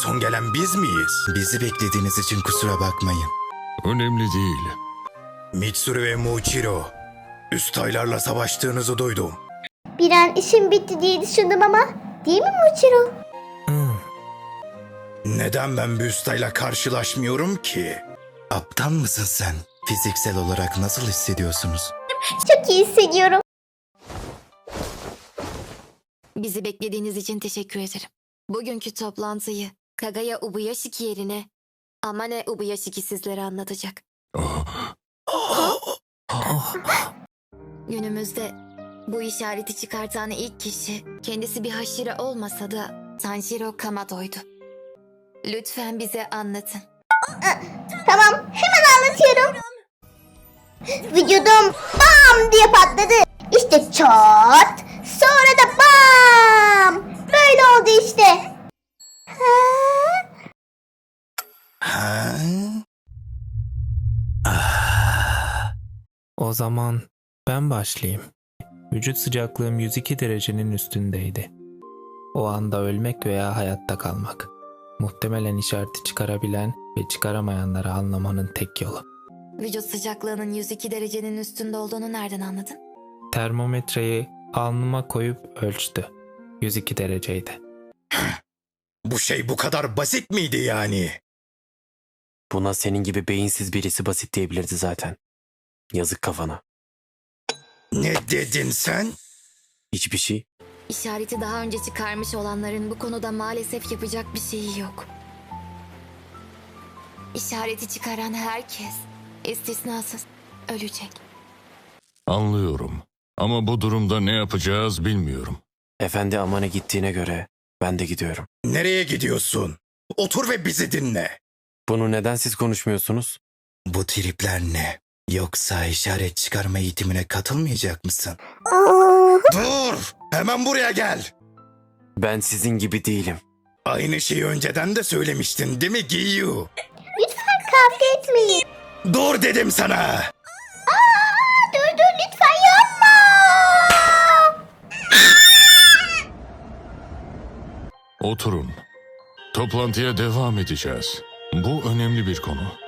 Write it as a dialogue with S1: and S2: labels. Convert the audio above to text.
S1: son gelen biz miyiz?
S2: Bizi beklediğiniz için kusura bakmayın.
S3: Önemli değil.
S1: Mitsuru ve Muichiro, üst aylarla savaştığınızı duydum.
S4: Bir an işim bitti diye düşündüm ama. Değil mi Muichiro?
S1: Neden ben bir üst ayla karşılaşmıyorum ki?
S2: Aptal mısın sen? Fiziksel olarak nasıl hissediyorsunuz?
S4: Çok iyi hissediyorum.
S5: Bizi beklediğiniz için teşekkür ederim. Bugünkü toplantıyı Kagaya Ubuyashiki yerine Amane Ubuyashiki sizlere anlatacak. Günümüzde bu işareti çıkartan ilk kişi kendisi bir haşire olmasa da Tanjiro Kamado'ydu. Lütfen bize anlatın.
S4: Tamam, hemen anlatıyorum. Vücudum bam diye patladı. İşte çat, sonra da bam. Böyle oldu işte.
S1: Ha?
S6: O zaman ben başlayayım. Vücut sıcaklığım 102 derecenin üstündeydi. O anda ölmek veya hayatta kalmak. Muhtemelen işareti çıkarabilen ve çıkaramayanları anlamanın tek yolu.
S5: Vücut sıcaklığının 102 derecenin üstünde olduğunu nereden anladın?
S6: Termometreyi alnıma koyup ölçtü. 102 dereceydi.
S1: Bu şey bu kadar basit miydi yani?
S7: Buna senin gibi beyinsiz birisi basit diyebilirdi zaten. Yazık kafana.
S1: Ne dedin sen?
S7: Hiçbir şey.
S5: İşareti daha önce çıkarmış olanların bu konuda maalesef yapacak bir şeyi yok. İşareti çıkaran herkes, istisnasız, ölecek.
S3: Anlıyorum. Ama bu durumda ne yapacağız bilmiyorum.
S7: Efendi Amane gittiğine göre ben de gidiyorum.
S1: Nereye gidiyorsun? Otur ve bizi dinle.
S7: Bunu neden siz konuşmuyorsunuz?
S2: Bu tripler ne? Yoksa işaret çıkarma eğitimine katılmayacak mısın?
S1: Dur! Hemen buraya gel.
S7: Ben sizin gibi değilim.
S1: Aynı şeyi önceden de söylemiştin değil mi Giyu?
S4: Lütfen kavga etmeyin.
S1: Dur dedim sana.
S4: Dur lütfen yapma.
S3: Oturun. Toplantıya devam edeceğiz. Bu önemli bir konu.